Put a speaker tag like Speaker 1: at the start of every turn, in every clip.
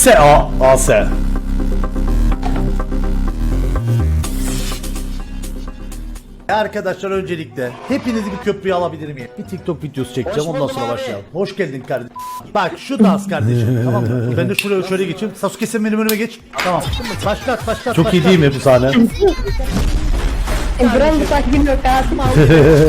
Speaker 1: AS. Arkadaşlar öncelikle hepinizi bir köprüye alabilir miyim? Bir TikTok videosu çekeceğim ondan sonra başlayalım. Hoş geldin kardeşim. Bak şu dans kardeşim tamam mı? Ben de şuraya şöyle geçeyim. Sasuke sen benim önüme geç. Tamam. Başlat. Çok iyi değil mi bu sahne?
Speaker 2: Buranın bu takvim yok hayatım aldı.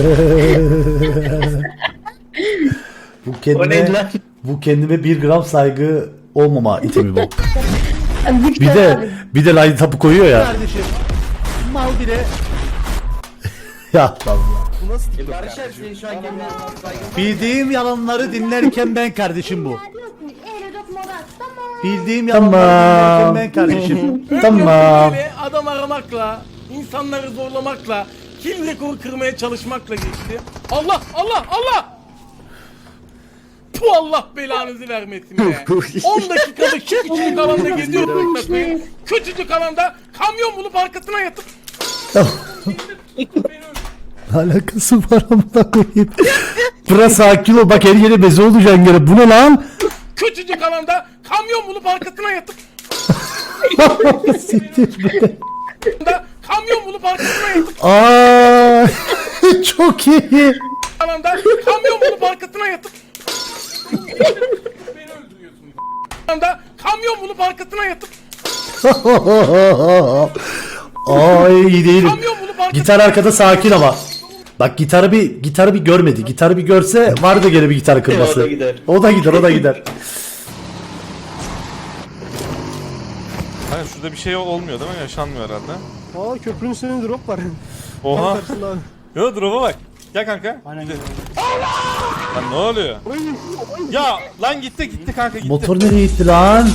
Speaker 1: Bu kendime 1 gram saygı olmama itemi bu. Bir de line tapı koyuyor ya. Kardeşim. Mal bile. Ya Allah. Bildiğim yalanları dinlerken ben kardeşim bu. Bildiğim yalanları dinlerken ben kardeşim. Tamam.
Speaker 3: Böyle adam aramakla, insanları zorlamakla, kill rekoru kırmaya çalışmakla geçti. Allah! Bu Allah belanızı vermesin be. 10 dakikalık şu küçücük alanda geziyorum. Küçücük alanda kamyon bulup arkasına yatıp
Speaker 1: Alakası var amına koyayım. Bırak sakin ol bak her yere beze olacaksın gene. Bu ne lan?
Speaker 3: küçücük alanda kamyon bulup arkasına yatıp
Speaker 1: Siktir be.
Speaker 3: kamyon bulup arkasına yatıp
Speaker 1: Aa, çok iyi.
Speaker 3: alanda kamyon bulup arkasına yatıp beni öldürüyorsun. Alanda kamyon bulup arkasına yatıp
Speaker 1: Ay iyi değilim.
Speaker 3: kamyon bulup arkasına
Speaker 1: Gitar arkada sakin ama. Bak gitarı bir görmedi. Gitarı bir görse vardı gene bir gitar kırması. O da gider.
Speaker 4: Hani şurada bir şey olmuyor değil mi? Yaşanmıyor herhalde.
Speaker 5: Aa köprünün üstünde drop var.
Speaker 4: Oha.
Speaker 5: Karşısında abi.
Speaker 4: Yo drop'a bak. Gel kanka. Lan ne oluyor? Ya lan gitti kanka gitti.
Speaker 1: Motor nereye gitti lan?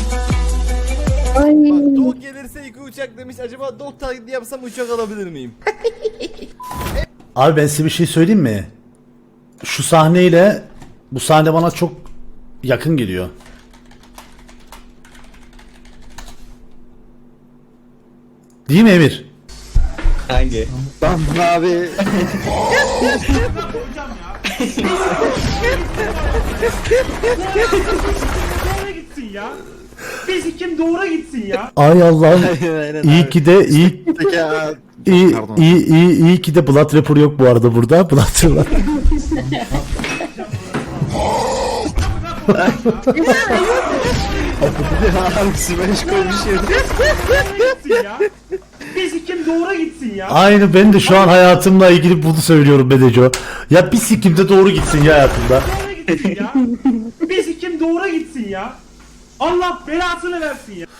Speaker 5: Dog gelirse iki uçak demiş. Acaba dog taklidi yapsam uçak alabilir miyim?
Speaker 1: Abi ben size bir şey söyleyeyim mi? Şu sahneyle bu sahne bana çok yakın geliyor. Değil mi Emir?
Speaker 5: Hangi? Ben abi.
Speaker 3: doğru gitsin ya. Fizikim doğru gitsin ya.
Speaker 1: Ay Allah'ım.
Speaker 5: Aynen
Speaker 1: İyi
Speaker 5: abi.
Speaker 1: ki de iyi ki de Blood Rapper yok bu arada burada. Blood Rapper.
Speaker 5: Abi smash koymuş yerine.
Speaker 3: Gitsin ya. Fizikim doğru gitsin ya.
Speaker 1: Aynı ben de şu an hayatımla ilgili bunu söylüyorum Bedeco. Ya bir sikimde doğru gitsin ya hayatımda.
Speaker 3: Doğru gitsin ya. Fizikim doğru gitsin ya. Allah belasını versin ya.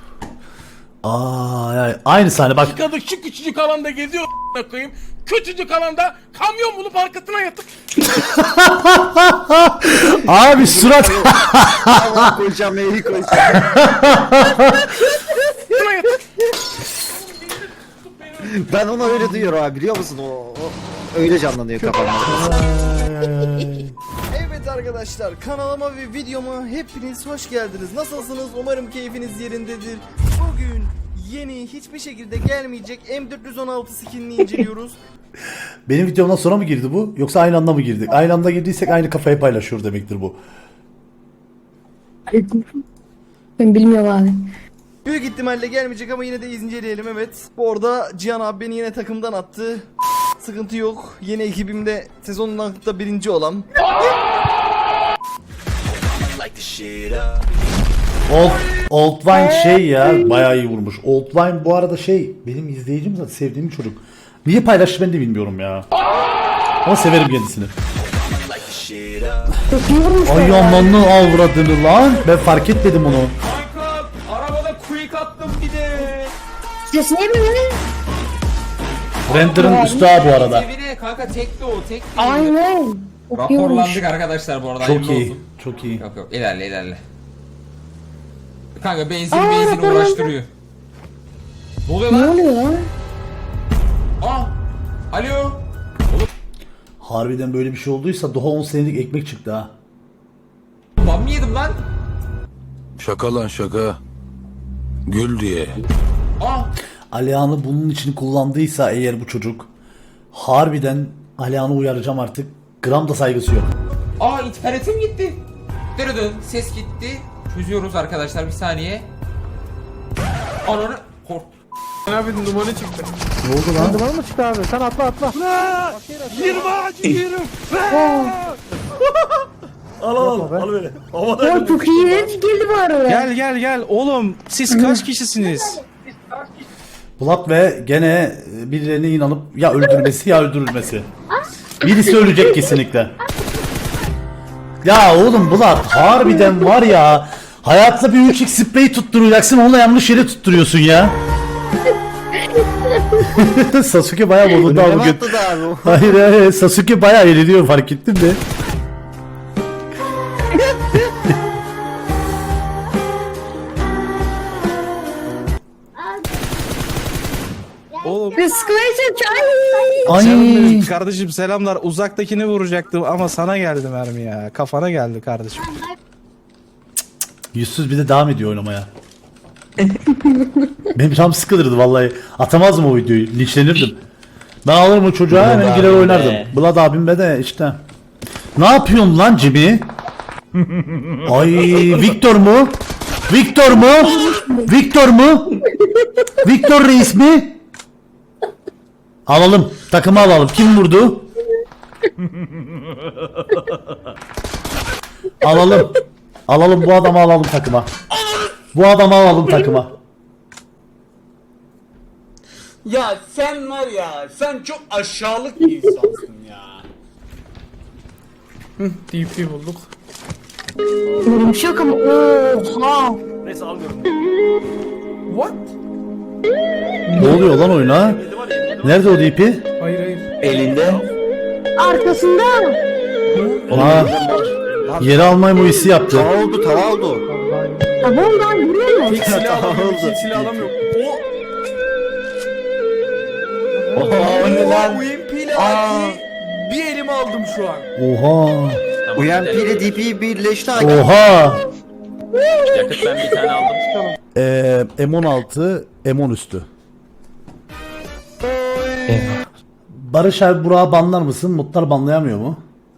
Speaker 1: Ay, aynı sahne bak.
Speaker 3: Çıkadık şu küçücük alanda geziyor koyayım. Küçücük alanda kamyon bulup arkasına yatıp
Speaker 1: Abi surat.
Speaker 5: Allah koyacağım eğri koyacağım.
Speaker 3: arkasına yatıp
Speaker 5: Ben onu öyle duyuyorum abi biliyor musun? O öyle canlanıyor kafamda. Evet arkadaşlar kanalıma ve videoma hepiniz hoş geldiniz. Nasılsınız? Umarım keyfiniz yerindedir. Bugün yeni hiçbir şekilde gelmeyecek M416 skinini inceliyoruz.
Speaker 1: Benim videomdan sonra mı girdi bu? Yoksa aynı anda mı girdik? Aynı anda girdiysek aynı kafayı paylaşıyor demektir bu.
Speaker 2: Ben bilmiyorum abi.
Speaker 5: Büyük ihtimalle gelmeyecek ama yine de inceleyelim evet. Bu arada Cihan abi beni yine takımdan attı. Sıkıntı yok. Yeni ekibimde sezonun da birinci olan.
Speaker 1: Old Wine şey ya bayağı iyi vurmuş. Old Wine bu arada şey benim izleyicim zaten sevdiğim bir çocuk. Niye paylaştı ben de bilmiyorum ya. Ama severim kendisini.
Speaker 2: Çok iyi vurmuş.
Speaker 1: Ay amanın avradını lan. Ben fark etmedim onu.
Speaker 3: kanka arabada quick attım bir de.
Speaker 2: Ses ne böyle?
Speaker 1: Render'ın üstü ha bu arada.
Speaker 6: Evine kanka tekli o tekli.
Speaker 2: Aynen. Çok iyi vurmuş.
Speaker 6: Raporlandık arkadaşlar bu arada.
Speaker 1: Çok
Speaker 6: hayırlı
Speaker 1: iyi.
Speaker 6: olsun.
Speaker 1: Çok iyi.
Speaker 6: Yok ilerle. Kanka benzin
Speaker 2: raporlandı.
Speaker 6: uğraştırıyor. Ne oluyor
Speaker 2: Ne
Speaker 6: lan?
Speaker 2: oluyor lan?
Speaker 6: Aa! Alo!
Speaker 1: Harbiden böyle bir şey olduysa daha 10 senelik ekmek çıktı ha.
Speaker 6: Ben mi yedim lan?
Speaker 7: Şaka lan şaka. Gül diye.
Speaker 6: Aa!
Speaker 1: Alihan'ı bunun için kullandıysa eğer bu çocuk harbiden Alihan'ı uyaracağım artık. Gram da saygısı yok.
Speaker 6: Aa internetim gitti. Dırıdın ses gitti. Çözüyoruz arkadaşlar, bir saniye. Ananı kork.
Speaker 3: Abi numara çıktı.
Speaker 1: Ne oldu lan?
Speaker 3: Numara mı çıktı abi? Sen atla atla. 20 ağacı yiyorum.
Speaker 1: Al böyle.
Speaker 2: O çok iyi geldi bu arada.
Speaker 8: Gel oğlum, siz kaç kişisiniz?
Speaker 1: Bulat ve gene birilerine inanıp ya öldürmesi ya öldürülmesi. Birisi ölecek kesinlikle. Ya oğlum Bulat harbiden var ya. Hayatta bir 3x sprey tutturacaksın, onunla yanlış yere tutturuyorsun ya. Sasuke bayağı bozuldu abi bugün. Hayır Sasuke bayağı eğleniyor, fark ettin mi?
Speaker 8: Oğlum,
Speaker 2: Sıkmayacak.
Speaker 1: Ay.
Speaker 8: canım benim, kardeşim selamlar. Uzaktakini vuracaktım ama sana geldi mermi ya. Kafana geldi kardeşim.
Speaker 1: Yüzsüz bir de devam ediyor oynamaya. Benim canım sıkılırdı vallahi. Atamazdım o videoyu. Linçlenirdim. Ben alırım o çocuğa hemen girer oynardım. Blood abimle de işte. Ne yapıyorsun lan Jimmy? Ay Victor mu? Victor mu? Victor mu? Victor reis mi? Alalım. Takımı alalım. Kim vurdu? Alalım. Alalım bu adamı, alalım takıma. Bu adamı alalım takıma.
Speaker 3: Ya sen var ya, sen çok aşağılık bir insansın ya. DP bulduk.
Speaker 2: Böyle bir şey yok ama oha.
Speaker 3: Neyse alıyorum. What?
Speaker 1: Ne oluyor lan oyuna? Nerede o DP?
Speaker 3: Hayır hayır.
Speaker 2: Arkasında.
Speaker 1: Aa, yeri almayı bu hissi yaptı.
Speaker 2: Tamam lan görüyor musun?
Speaker 3: Silah alamıyorum. Silah alamıyorum.
Speaker 5: Oha UMP ile AK bir elime aldım şu an.
Speaker 1: Oha.
Speaker 9: UMP ile DP birleşti.
Speaker 1: Oha.
Speaker 10: Yakıt ben bir tane aldım.
Speaker 1: M16, M10 üstü. Barış abi Burak'ı banlar mısın? Mutlar banlayamıyor mu?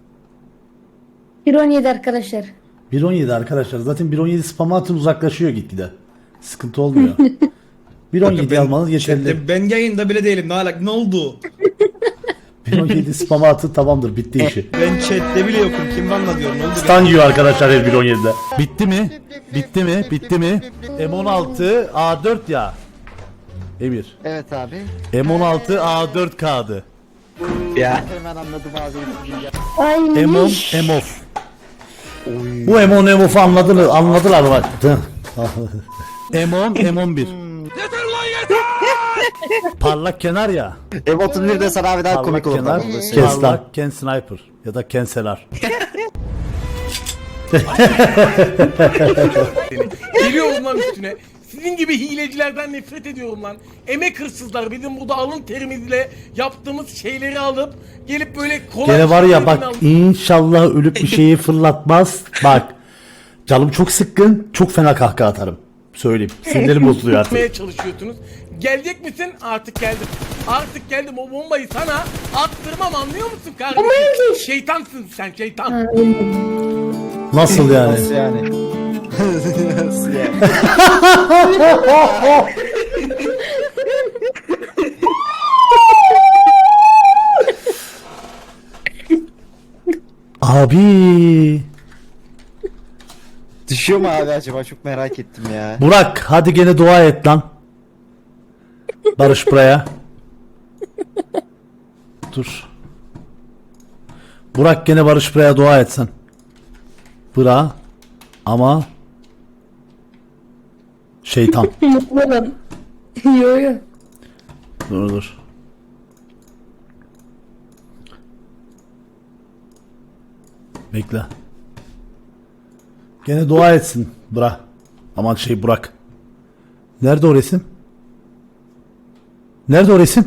Speaker 2: 1.17 arkadaşlar.
Speaker 1: 1.17 arkadaşlar. Zaten 1.17 spam atın, uzaklaşıyor gitgide. Sıkıntı olmuyor. 1.17 almanız yeterli.
Speaker 8: Ben yayında bile değilim. Ne oldu?
Speaker 1: 1.17 spam atın, tamamdır, bitti işi.
Speaker 8: Ben chatte bile yokum. Kim banla diyor? Ne oldu?
Speaker 1: Stun yiyor arkadaşlar her 1.17'de. Bitti mi? Bitti mi? Bitti mi? M16 A4 ya. Emir.
Speaker 9: Evet abi.
Speaker 1: M16 A4 kağıdı.
Speaker 9: Hemen anladım abi.
Speaker 2: Ay.
Speaker 1: M10 M-Off. Bu M10 M-Off'u anladılar bak. M10 M11. Parlak kenar ya.
Speaker 9: M31 de sana abi daha komik olur.
Speaker 1: kenar, parlak Ken Sniper ya da Ken Selar.
Speaker 3: Geliyorum lan üstüne. Sizin gibi hilecilerden nefret ediyorum lan. Emek hırsızlar, bizim burada alın terimizle yaptığımız şeyleri alıp gelip böyle kolay...
Speaker 1: Gene var ya
Speaker 3: şeylerden
Speaker 1: bak,
Speaker 3: alıp-
Speaker 1: inşallah ölüp bir şeyi fırlatmaz. Bak. Canım çok sıkkın. Çok fena kahkaha atarım. Söyleyeyim. Sinirlerim bozuluyor artık.
Speaker 3: Yapmaya çalışıyorsunuz. Gelecek misin? Artık geldim. Artık geldim. O bombayı sana attırmam, anlıyor musun kardeşim? Şeytansın sen, şeytan.
Speaker 1: Nasıl yani? Abi.
Speaker 9: Düşüyor mu abi acaba? Çok merak ettim ya.
Speaker 1: Burak hadi gene dua et lan. Barış buraya. Dur. Burak gene Barış buraya dua etsen. Bıra. Ama şeytan.
Speaker 2: Mutlu olun. Yo yo.
Speaker 1: Dur. Bekle. Gene dua etsin Bıra. Aman Burak. Nerede o resim? Nerede o resim?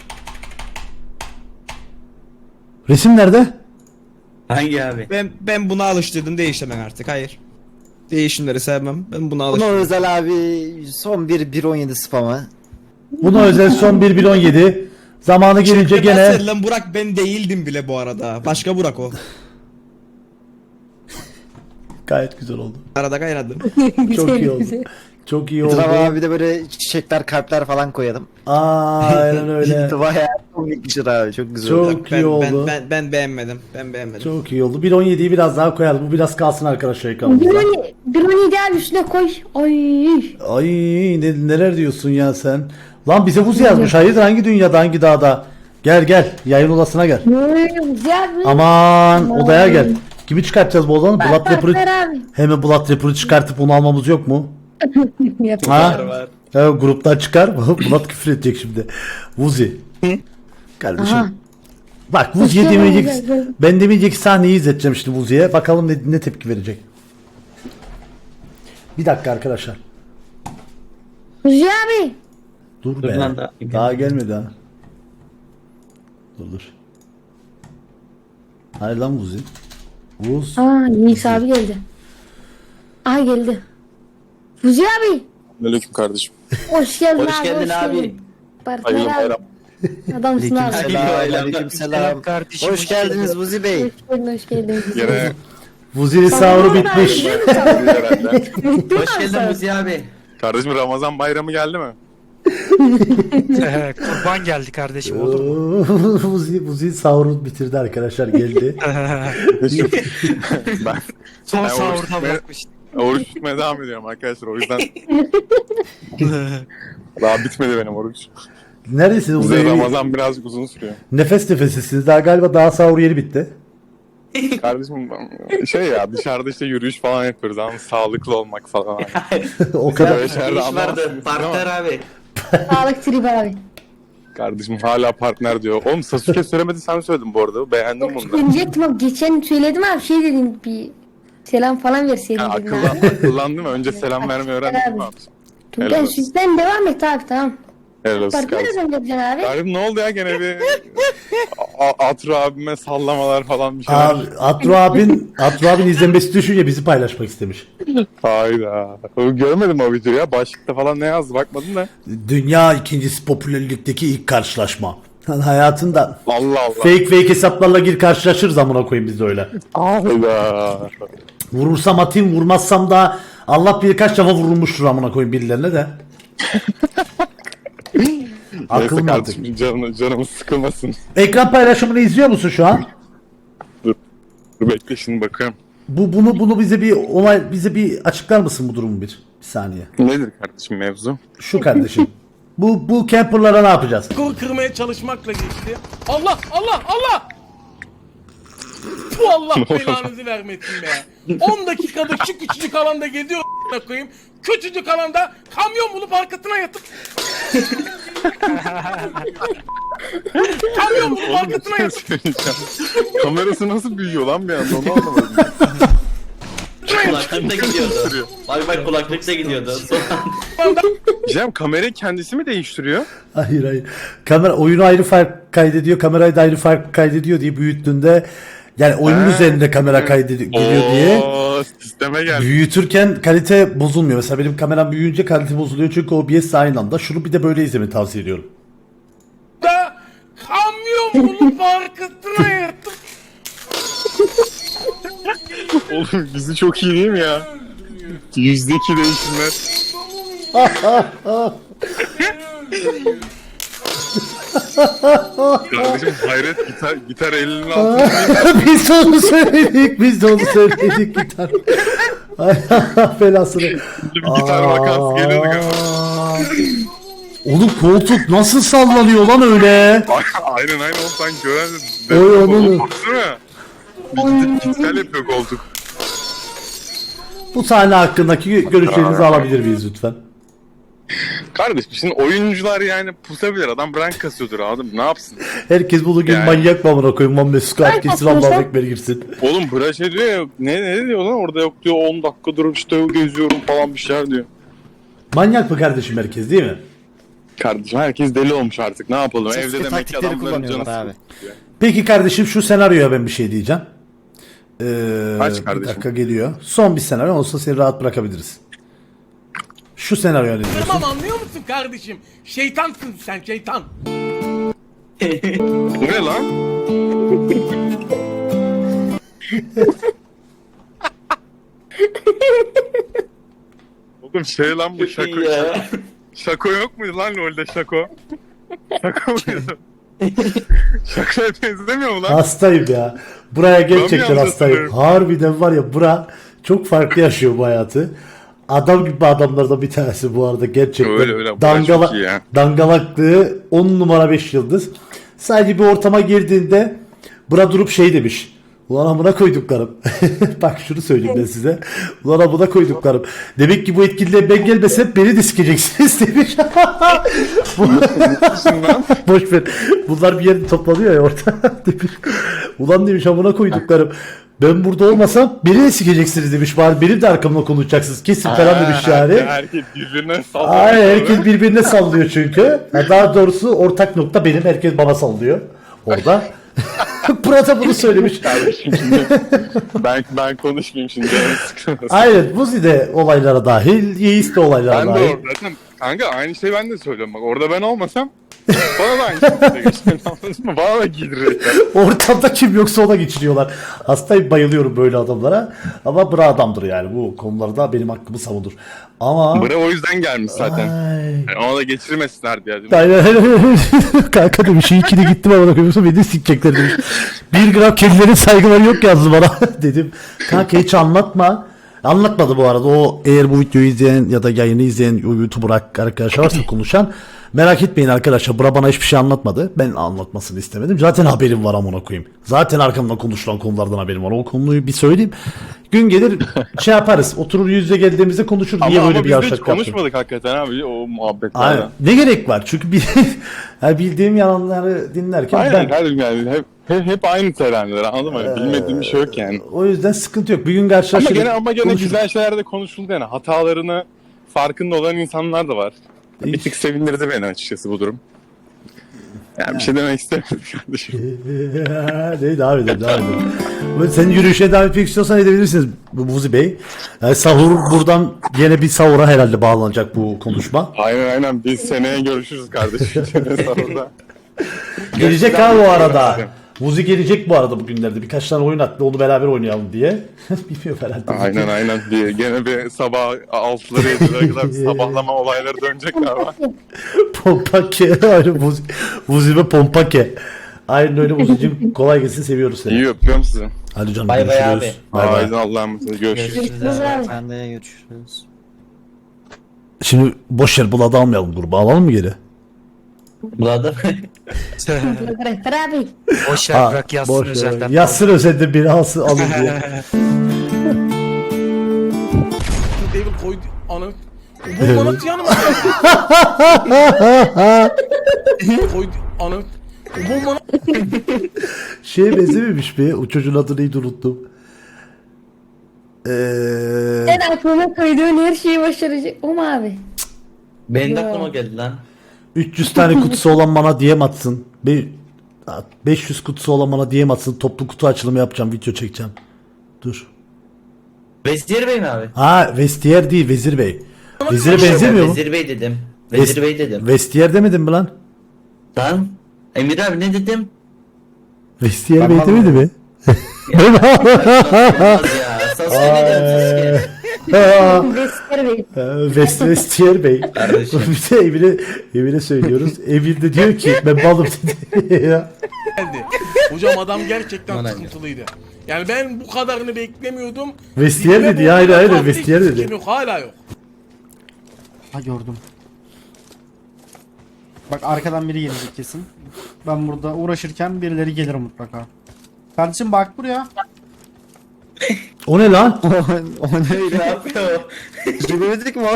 Speaker 1: Resim nerede?
Speaker 10: Hangi abi?
Speaker 8: Ben buna alıştırdım, değişemem artık. Hayır. Değişimleri sevmem. Ben buna
Speaker 9: Buna
Speaker 8: alıştırdım.
Speaker 9: özel abi son bir 1.17 spamı.
Speaker 1: Buna özel son 1.17. Zamanı gelince gene...
Speaker 8: Nasıl lan Burak, ben değildim bile bu arada. Başka Burak o.
Speaker 1: Gayet güzel oldu.
Speaker 8: Arada kaynadım.
Speaker 1: Çok iyi oldu.
Speaker 2: güzel.
Speaker 1: Çok iyi oldu.
Speaker 9: Etrafa abi de böyle çiçekler, kalpler falan koyalım.
Speaker 1: Aynen öyle.
Speaker 9: Bayağı komikmiştir abi. Çok güzel.
Speaker 1: Çok iyi oldu.
Speaker 8: Ben beğenmedim. Ben beğenmedim.
Speaker 1: Çok iyi oldu. 1.17'yi biraz daha koyalım. Bu biraz kalsın arkadaşlar ekranımızda.
Speaker 2: Drone ideal üstüne koy. Ay.
Speaker 1: Ay neler diyorsun ya sen? Lan bize buz yazmış. Hayırdır hangi dünyada hangi dağda? Gel gel yayın odasına gel.
Speaker 2: Güzel.
Speaker 1: Aman odaya gel. Kimi çıkartacağız bu odanı? Blood Rapper'ı
Speaker 2: abi.
Speaker 1: hemen Blood Rapper'ı çıkartıp onu almamız yok mu?
Speaker 2: Yap.
Speaker 1: Ha? Evet, gruptan çıkar. Blood küfür edecek şimdi. Vuzi. Kardeşim.
Speaker 2: Aha.
Speaker 1: Bak Vuzi'ye
Speaker 2: Hoş geldin,
Speaker 1: demeyecek.
Speaker 2: güzel.
Speaker 1: Ben demeyecek sahneyi izleteceğim şimdi Vuzi'ye. Bakalım ne tepki verecek. Bir dakika arkadaşlar.
Speaker 2: Kuzi abi.
Speaker 1: Dur
Speaker 10: Dur
Speaker 1: be.
Speaker 10: lan
Speaker 1: Daha gelmedi ha. Dur. Hayır lan Vuzi. Vuz.
Speaker 2: Aa Yiğit abi geldi. Aha geldi. Kuzi abi.
Speaker 4: Aleyküm kardeşim.
Speaker 2: Hoş geldin
Speaker 10: Hoş
Speaker 2: abi.
Speaker 10: geldin abi.
Speaker 2: Partner
Speaker 4: Hayırlı
Speaker 2: abi.
Speaker 4: bayram.
Speaker 2: Adamsın abi.
Speaker 9: Aleykümselam. Hoş geldiniz Buzi Bey.
Speaker 2: Hoş geldin.
Speaker 4: Yine
Speaker 1: Vuzi'nin sahuru bitmiş.
Speaker 10: Hoş geldin Muzi abi.
Speaker 4: kardeşim Ramazan bayramı geldi mi?
Speaker 11: Kurban geldi kardeşim olur mu?
Speaker 1: Vuzi sahuru bitirdi arkadaşlar geldi.
Speaker 4: Ben
Speaker 11: Son
Speaker 4: oruç
Speaker 11: sahurda
Speaker 4: tutmaya-
Speaker 11: bırakmıştım.
Speaker 4: oruç tutmaya devam ediyorum arkadaşlar o yüzden daha bitmedi benim oruç.
Speaker 1: Neredesiniz?
Speaker 4: Bize
Speaker 1: Vuzi?
Speaker 4: Ramazan birazcık uzun sürüyor.
Speaker 1: Nefes nefesisiniz. Daha galiba daha sahur yeni bitti.
Speaker 4: Kardeşim şey ya dışarıda işte yürüyüş falan yapıyoruz ama sağlıklı olmak falan.
Speaker 1: O kadar.
Speaker 4: Böyle şeylerde
Speaker 10: İş vardı.
Speaker 4: anlamazsınız
Speaker 10: Partner
Speaker 4: ama
Speaker 10: abi.
Speaker 2: Sağlık tribi abi.
Speaker 4: kardeşim hala partner diyor. Oğlum Sasuke söylemedi sen söyledin bu arada. Beğendim bunu da.
Speaker 2: Diyecektim abi. Geçen söyledim abi. Şey dedin bir selam falan verseydin
Speaker 4: Ha,
Speaker 2: dedin abi.
Speaker 4: akıllandım önce selam vermeyi öğrendim mi abi?
Speaker 2: Tuncay
Speaker 4: Helal olsun.
Speaker 2: sütten devam et abi tamam.
Speaker 4: Helal olsun
Speaker 2: Partner
Speaker 4: kardeşim.
Speaker 2: ödem yapacaksın abi.
Speaker 4: Kardeşim ne oldu ya gene bir Atro abime sallamalar falan bir şeyler.
Speaker 1: Abi, Atro abin izlenmesi düşünce bizi paylaşmak istemiş.
Speaker 4: Hayda. Görmedim o videoyu ya. Başlıkta falan ne yazdı bakmadım da.
Speaker 1: Dünya ikincisi popülerlikteki ilk karşılaşma. Hayatında
Speaker 4: Allah Allah.
Speaker 1: fake hesaplarla gir karşılaşırız amına koyayım biz de öyle.
Speaker 4: Hayda.
Speaker 1: Vurursam atayım vurmazsam da Allah bilir kaç defa vurulmuştur amına koyayım birilerine de. Akıl
Speaker 4: Neyse
Speaker 1: mantık.
Speaker 4: kardeşim canımız sıkılmasın.
Speaker 1: Ekran paylaşımını izliyor musun şu an?
Speaker 4: Dur bekle şimdi bakıyorum.
Speaker 1: Bunu bize bir açıklar mısın bu durumu bir saniye.
Speaker 4: Nedir kardeşim mevzu?
Speaker 1: Şu kardeşim. Bu camperlara ne yapacağız?
Speaker 3: Skor kırmaya çalışmakla geçti. Allah Allah Allah! Bu Allah belanızı vermesin be. 10 dakikada şu küçücük alanda geziyor a**ına koyayım. Küçücük alanda kamyon bulup arkasına yatıp kamyon bulup arkasına yatıp
Speaker 4: Söyleyeceğim. Kamerası nasıl büyüyor lan bir anda onu anlamadım.
Speaker 10: Kulaklıkta gidiyordu. Bak kulaklıkta gidiyordu.
Speaker 4: Cem kamerayı kendisi mi değiştiriyor?
Speaker 1: Hayır. Kamera oyunu ayrı fark kaydediyor, kamerayı da ayrı fark kaydediyor diye büyüttüğünde yani oyunun üzerinde kamera kaydediyor diye.
Speaker 4: Oo, sisteme geldi.
Speaker 1: Büyütürken kalite bozulmuyor. Mesela benim kameram büyüyünce kalite bozuluyor çünkü OBS aynı anda. Şunu bir de böyle izlemeyi tavsiye ediyorum.
Speaker 3: da kamyon bulup arkasına yatıp
Speaker 4: Oğlum bizi çok iyi değil mi ya? %2 değişimler. Kardeşim hayret gitar elinin altında.
Speaker 1: biz de onu söyledik gitar. Ay belasını.
Speaker 4: Bir gitar vakası geliyordu galiba.
Speaker 1: Oğlum koltuk nasıl sallanıyor lan öyle?
Speaker 4: Aynen oğlum sen gören
Speaker 1: Oy, oğlum.
Speaker 4: Baksana. Gitar yapıyor koltuk.
Speaker 1: Bu sahne hakkındaki görüşlerinizi alabilir miyiz lütfen?
Speaker 4: Kardeşim şimdi oyuncular yani pusabilir. Adam rank kasıyordur adam. Ne yapsın?
Speaker 1: Herkes bunu gün
Speaker 4: Yani.
Speaker 1: manyak mı amına koyayım? Lan Mesut Kart gitsin Allah'a ekber girsin.
Speaker 4: Oğlum bırak şey diyor ya. Ne diyor lan? Orada yok diyor. 10 dakika durup işte geziyorum falan bir şeyler diyor.
Speaker 1: Manyak mı kardeşim herkes değil mi?
Speaker 4: Kardeşim herkes deli olmuş artık. Ne yapalım?
Speaker 9: Sasuke
Speaker 4: Evde demek ki
Speaker 9: taktikleri
Speaker 4: adamların canı
Speaker 9: kullanıyorlar abi.
Speaker 4: sıkılıyor.
Speaker 1: Peki kardeşim şu senaryoya ben bir şey diyeceğim.
Speaker 4: Aç
Speaker 1: Bir
Speaker 4: kardeşim.
Speaker 1: dakika geliyor. Son bir senaryo olsa seni rahat bırakabiliriz. Şu senaryo ne diyorsun?
Speaker 3: Tamam anlıyor musun kardeşim? Şeytansın sen şeytan.
Speaker 4: Bu ne lan? Oğlum şey lan bu şako.
Speaker 10: Ya.
Speaker 4: Şako yok muydu lan LoL'de şako? Şako muydu? Şakoya benzemiyor mu lan?
Speaker 1: Hastayım ya. Buraya gerçekten
Speaker 4: yalnız
Speaker 1: hastayım.
Speaker 4: hatırlıyorum.
Speaker 1: Harbiden var ya bura çok farklı yaşıyor bu hayatı. Adam gibi adamlardan bir tanesi bu arada gerçekten.
Speaker 4: Öyle, bura çok iyi ya.
Speaker 1: Dangalaklığı 10 numara 5 yıldız. Sadece bir ortama girdiğinde bura durup şey demiş. Ulan amına koyduklarım. Bak şunu söyleyeyim ben size. Ulan amına koyduklarım. Demek ki bu etkinliğe ben gelmesem beni de sikeceksiniz demiş. Boş ver. Bunlar bir yerde toplanıyor ya orada. Demiş. Ulan demiş amına koyduklarım. Ben burada olmasam beni de sikeceksiniz demiş. Bari benim de arkamda konuşacaksınız. Kesin falan demiş yani.
Speaker 4: Herkes birbirine sallıyor.
Speaker 1: Aynen herkes birbirine sallıyor çünkü. Ha, daha doğrusu ortak nokta benim. Herkes bana sallıyor. Orada. Burada bunu söylemiş.
Speaker 4: Kardeşim şimdi ben konuşmayayım şimdi. canım sıkılmasın.
Speaker 1: Aynen Vuzi de olaylara dahil. Yiğis de olaylara
Speaker 4: Ben de
Speaker 1: dahil.
Speaker 4: orada zaten kanka aynı şeyi ben de söylüyorum bak orada ben olmasam bana da aynı şekilde geçer anladın mı? Bana da giydirecekler.
Speaker 1: Ortamda kim yoksa ona geçiriyorlar. Hastayım bayılıyorum böyle adamlara. Ama bra adamdır yani bu konularda benim hakkımı savunur. Ama...
Speaker 4: Bıra o yüzden gelmiş zaten.
Speaker 1: Ay.
Speaker 4: Yani ona da geçirmesinler diye. Değil mi?
Speaker 1: Aynen. Kanka demiş iyi ki de gittim ama koyuyorsun beni de sikecekler demiş. 1 gram kedilerin saygıları yok yazdı bana. Dedim kanka hiç anlatma. Anlatmadı bu arada. O eğer bu videoyu izleyen ya da yayını izleyen YouTuber arkadaşlar varsa konuşan merak etmeyin arkadaşlar. Bura bana hiçbir şey anlatmadı. Ben anlatmasını istemedim. Zaten haberim var amına koyayım. Zaten arkamda konuşulan konulardan haberim var. O konuyu bir söyleyeyim. Gün gelir şey yaparız. Oturur yüz yüze geldiğimizde konuşur. Niye
Speaker 4: Ama
Speaker 1: böyle bir
Speaker 4: biz de hiç
Speaker 1: yavşak yaptın?
Speaker 4: konuşmadık hakikaten abi o muhabbetlerden.
Speaker 1: Aynen. Ne gerek var? Çünkü yani bildiğim yalanları dinlerken
Speaker 4: Aynen
Speaker 1: ben
Speaker 4: kardeşim yani hep aynı terenler anladın mı? Bilmediğim bir şey yok yani.
Speaker 1: o yüzden sıkıntı yok. Bir gün karşılaşırız.
Speaker 4: Ama gene
Speaker 1: konuşuruz.
Speaker 4: güzel şeyler de konuşuldu yani. Hatalarını farkında olan insanlar da var. Bir tık sevindirdi beni açıkçası bu durum. Yani bir şey demek istemiyorum kardeşim.
Speaker 1: Ne devam edelim. Sen yürüyüşe devam etmek istiyorsan edebilirsiniz Vuzi Bey. Yani sahur buradan yine bir sahura herhalde bağlanacak bu konuşma.
Speaker 4: Aynen biz seneye görüşürüz kardeşim. Sahurda.
Speaker 1: Gelecek ha bu arada. Vuzi gelecek bu arada bugünlerde. Birkaç tane oyun attı onu beraber oynayalım diye. Bilmiyorum herhalde.
Speaker 4: Aynen. Gene bir sabah 6'ları 7'lere kadar bir sabahlama olayları dönecek galiba.
Speaker 1: Pompake. Aynen Vuzi ve Pompake. Aynen öyle Vuzi'cim. Kolay gelsin seviyoruz seni.
Speaker 4: İyi öpüyorum sizi.
Speaker 1: Hadi canım
Speaker 9: Bay bay
Speaker 1: görüşürüz. Bay bay.
Speaker 4: Haydi Allah'a emanet görüşürüz.
Speaker 2: Görüşürüz abi.
Speaker 9: Ben de görüşürüz.
Speaker 1: Şimdi boş yer Bulad'ı almayalım gruba. Alalım mı geri?
Speaker 10: Buladı.
Speaker 2: Rehber abi.
Speaker 11: Boş ver bırak yazsın
Speaker 1: boş ver.
Speaker 11: özelden.
Speaker 1: Yazsın özelden biri alsın alın diye.
Speaker 3: David koydu anı. Bu bana yanıma koydu anı. Bu bana
Speaker 1: Şeye benzememiş mi? O çocuğun adını neydi unuttum.
Speaker 2: Sen aklıma koyduğun her şeyi başaracak. O mu abi?
Speaker 10: Benim de aklıma geldi lan.
Speaker 1: 300 tane kutusu olan bana DM atsın. 500 kutusu olan bana DM atsın. Toplu kutu açılımı yapacağım. Video çekeceğim. Dur.
Speaker 10: Vezir Bey mi abi?
Speaker 1: Ha Vestiyer değil Vezir Bey. Vezir'e benzemiyor mu?
Speaker 10: Vezir Bey dedim. Vezir Bey dedim.
Speaker 1: Vestiyer demedin mi lan?
Speaker 10: Lan Emir abi ne dedim?
Speaker 1: Vestiyer Bey demedi mi?
Speaker 10: Olmaz ya. Sasuke ne dedim Sasuke?
Speaker 2: Rehber Bey.
Speaker 1: Vestiyer Bey.
Speaker 10: Kardeşim.
Speaker 1: Bir de Emir'e söylüyoruz. Emir de diyor ki ben balım dedi. Ya.
Speaker 3: geldi. Hocam adam gerçekten sıkıntılıydı. Yani ben bu kadarını beklemiyordum.
Speaker 1: Vestiyer dedi ya aynen Vestiyer dedi.
Speaker 3: Yok, hala yok.
Speaker 8: Ha gördüm. Bak arkadan biri gelecek kesin. Ben burada uğraşırken birileri gelir mutlaka. Kardeşim bak buraya.
Speaker 1: O ne lan?
Speaker 9: O ne
Speaker 10: Ne yapıyor?
Speaker 9: Gidemedik mi o?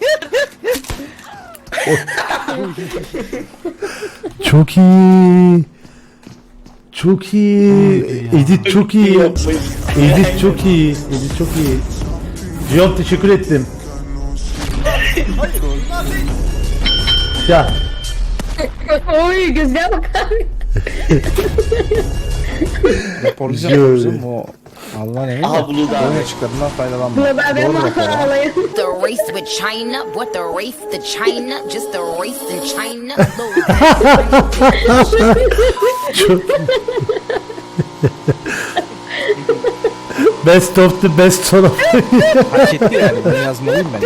Speaker 1: Çok iyi. Çok iyi. Edit çok iyi. Edit çok iyi. Edit çok iyi. Cihan teşekkür ettim. Ya
Speaker 2: Oy gözüne bak abi.
Speaker 8: Raporlayacağım o. Allah ne?
Speaker 10: Aha Bulut abi.
Speaker 8: Oyun açıklarından faydalanma.
Speaker 2: Buna da ben ağlayayım.
Speaker 12: The race with China, what the race to China, just the race in China.
Speaker 1: Best of the best son of.
Speaker 9: Hak etti yani bunu yazmalıyım ben.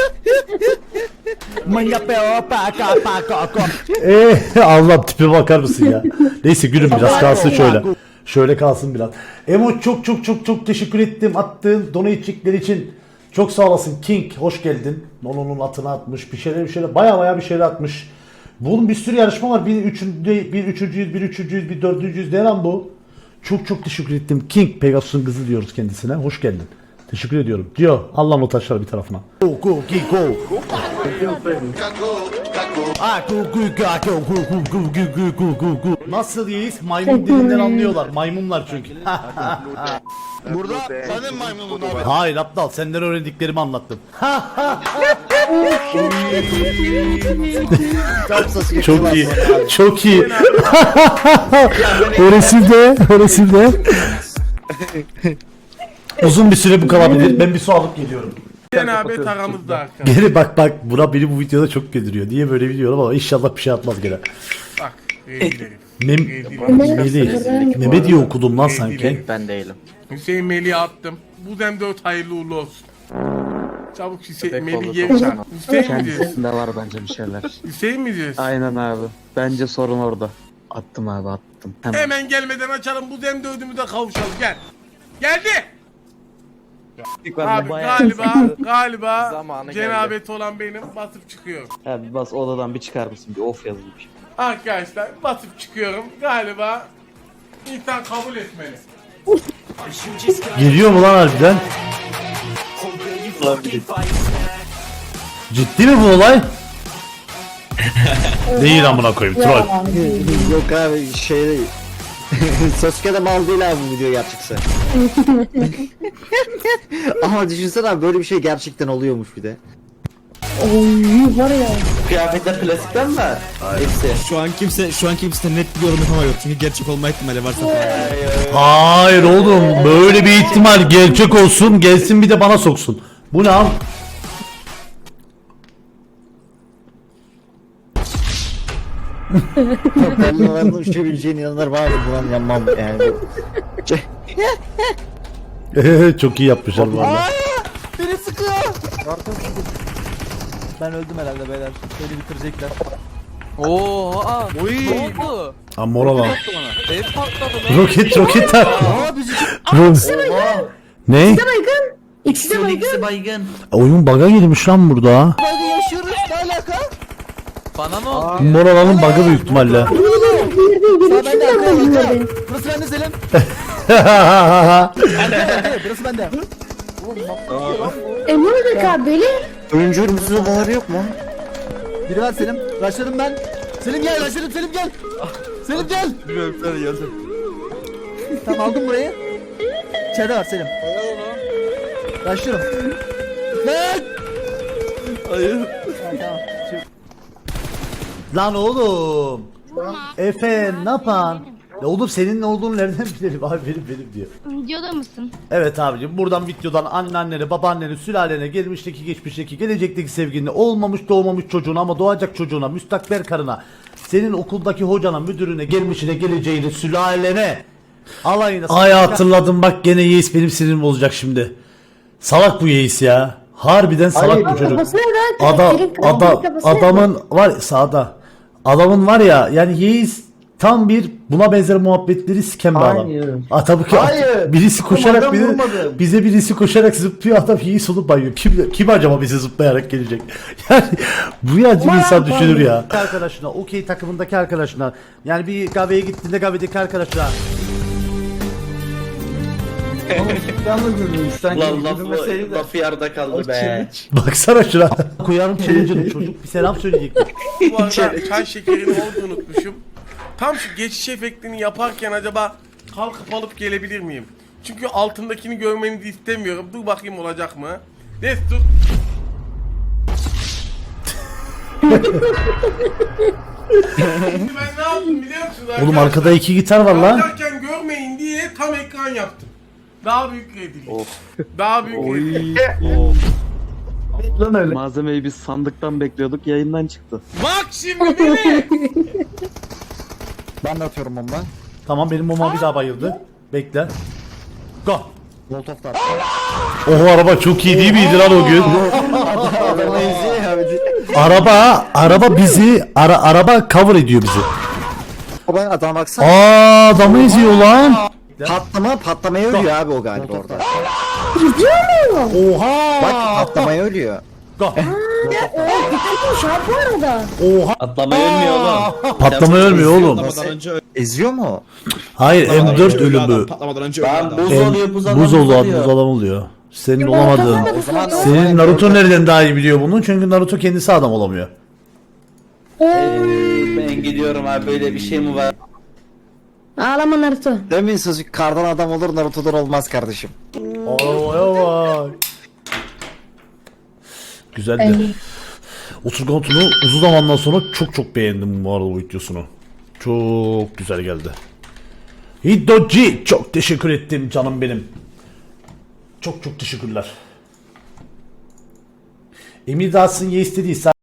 Speaker 1: Allah tipe bakar mısın ya? Neyse gülüm biraz kalsın şöyle. Şöyle kalsın biraz. Emo çok teşekkür ettim attığın donatecikler için. Çok sağ olasın King. Hoş geldin. Nono'nun atını atmış. Bir şeyler baya bir şeyler atmış. Bunun bir sürü yarışma var. Bir üçüncüyüz, bir dördüncüyüz. Ne lan bu? Çok teşekkür ettim. King Pegasus'un kızı diyoruz kendisine. Hoş geldin. Teşekkür ediyorum. Diyor. Allah'ın o taşları bir tarafına. Go King go. Nasıl yiyiz? Maymun dilinden anlıyorlar. Maymunlar çünkü.
Speaker 9: Burada senin maymunun abi.
Speaker 1: Hayır aptal, senden öğrendiklerimi anlattım. Çok iyi. Çok iyi. O resimde. Uzun bir süre bu kalabilir. Ben bir su alıp geliyorum.
Speaker 3: Cenabet aramızda arkadaşlar.
Speaker 1: Geri bak buna beni bu videoda çok güldürüyor. Niye böyle biliyorum ama inşallah bir şey atmaz gene.
Speaker 3: Bak. Rezillerim.
Speaker 1: Mehmet diye okudum lan sanki.
Speaker 9: Ben değilim.
Speaker 3: Hüseyin Melih'e attım. Bu dem 4 hayırlı uğurlu olsun. Çabuk Hüseyin Melih geri çağır. Hüseyin mi diyorsun?
Speaker 9: Kendisinde var bence bir şeyler.
Speaker 3: Hüseyin mi diyorsun?
Speaker 9: Aynen abi. Bence sorun orada. Attım abi attım.
Speaker 3: Hemen gelmeden açalım bu dem 4'ümü de kavuşalım gel. Geldi. Abi galiba cenabet olan benim basıp çıkıyorum.
Speaker 9: Abi bas odadan bir çıkar mısın? Bir of yazayım.
Speaker 3: Arkadaşlar basıp çıkıyorum. Galiba insan kabul etmeli.
Speaker 1: Geliyor mu lan harbiden? Ciddi mi bu olay? Değil amına koyayım troll.
Speaker 9: Yok abi şey değil. Sasuke'de mal değil abi bu video gerçekse. Ama düşünsene abi böyle bir şey gerçekten oluyormuş bir de.
Speaker 2: Oy var ya.
Speaker 10: Kıyafetler klasikten mi? Hepsi.
Speaker 11: Şu an kimse net bir yorum yapamıyor. Çünkü gerçek olma ihtimali varsa
Speaker 1: Hayır oğlum böyle bir ihtimal gerçek olsun gelsin bir de bana soksun. Bu ne abi?
Speaker 9: Ben bunların uçabileceğine inanırım abi. Buna yanmam yani.
Speaker 1: Çok iyi yapmışlar bu arada.
Speaker 9: Beni sıkıyor.
Speaker 5: Ben öldüm herhalde beyler. Beni bitirecekler.
Speaker 1: Amora lan. Roket tak. Ne?
Speaker 2: İkisi de baygın. İkisi de baygın.
Speaker 10: İkisi baygın.
Speaker 1: Oyun bug'a girmiş lan burada.
Speaker 5: Hadi yaşıyoruz ne alaka?
Speaker 1: Moralanın bug'ı büyük ihtimalle.
Speaker 2: Girdi. Üçünü de baygın.
Speaker 5: Burası bende Selim. Burası bende.
Speaker 2: Emre abi böyle.
Speaker 9: Oyuncu mutsuz odaları yok mu?
Speaker 5: Biri var Selim. Başladım ben. Selim gel başladım Selim gel. Selim gel.
Speaker 9: Bilmiyorum sen gelsin.
Speaker 5: Tamam aldım burayı. İçeride var Selim. Başlıyorum. Lan.
Speaker 9: Hayır.
Speaker 5: Tamam.
Speaker 1: Lan oğlum. Efe ne yapan? Ya oğlum senin ne olduğunu nereden bilelim abi benim diyor.
Speaker 2: Videoda mısın?
Speaker 1: Evet abicim buradan videodan anneannene, babaannene, sülalene, gelmişteki, geçmişteki, gelecekteki sevgiline, olmamış doğmamış çocuğuna ama doğacak çocuğuna, müstakbel karına, senin okuldaki hocana, müdürüne, gelmişine, geleceğine, sülalene, alayına. Ay hatırladım bak gene Yeis benim sinirimi bozacak şimdi. Salak bu Yeis ya. Harbiden salak bu çocuk. Adamın var sağda. Adamın var ya yani Yeis tam bir buna benzer muhabbetleri siken bir adam. Tabii ki birisi koşarak bize birisi koşarak zıplıyor adam Yeis olup bayıyor. Kim acaba bize zıplayarak gelecek? Yani bu yancı bir insan düşünür ya. Arkadaşına, okey takımındaki arkadaşına yani bir kahveye gittiğinde kahvedeki arkadaşına.
Speaker 10: Lafı yarıda kaldı be.
Speaker 1: Baksana şuna. Koyarım challenge'ını çocuk bir selam söyleyecekmiş.
Speaker 3: Bu arada çay şekerini orada unutmuşum. Tam şu geçiş efektini yaparken acaba kalkıp alıp gelebilir miyim? Çünkü altındakini görmenizi istemiyorum. Dur bakayım olacak mı? Destur. Şimdi ben ne yaptım biliyor musunuz arkadaşlar?
Speaker 1: Oğlum arkada 2 gitar var lan.
Speaker 3: Yaparken görmeyin diye tam ekran yaptım. Daha büyük rezillik. Daha büyük rezillik.
Speaker 9: Malzemeyi biz sandıktan bekliyorduk yayından çıktı.
Speaker 3: Bak şimdi beni.
Speaker 9: Ben de atıyorum bomba.
Speaker 1: Tamam benim mama bir daha bayıldı. Bekle. Go.
Speaker 9: Molotov da.
Speaker 1: O araba çok iyi değil miydi lan o gün?
Speaker 9: Adamı eziyor ya bir de.
Speaker 1: Araba bizi araba cover ediyor bizi.
Speaker 9: Baba adam baksana.
Speaker 1: Aa adamı eziyor lan.
Speaker 9: Patlamaya ölüyor abi o galiba orada.
Speaker 1: Oha.
Speaker 9: Bak patlamaya ölüyor.
Speaker 2: Şu an bu arada.
Speaker 1: Oha.
Speaker 10: Atlamayı ölmüyor oğlum.
Speaker 1: Patlamaya ölmüyor oğlum.
Speaker 11: Patlamadan önce
Speaker 9: Eziyor mu?
Speaker 1: Hayır M4 ölümü.
Speaker 11: Patlamadan önce
Speaker 10: Ben
Speaker 11: öldü
Speaker 10: buz
Speaker 11: adam.
Speaker 10: oluyor buz
Speaker 1: Buz
Speaker 10: oluyor.
Speaker 1: adam oluyor. Senin olamadığın.
Speaker 9: O zaman
Speaker 1: Senin Naruto nereden daha iyi biliyor bunu? Çünkü Naruto kendisi adam olamıyor.
Speaker 10: Ben gidiyorum abi, böyle bir şey mi var?
Speaker 2: Ağlama Naruto.
Speaker 9: demin sözü kardan adam olur Naruto'dan olmaz kardeşim.
Speaker 1: Arabaya bak. Güzeldi. Oturgan Tun'u uzun zamandan sonra çok beğendim bu arada bu videosunu. Çok güzel geldi. Hiddoji çok teşekkür ettim canım benim. Çok teşekkürler. Emir Dağsın ye istediyse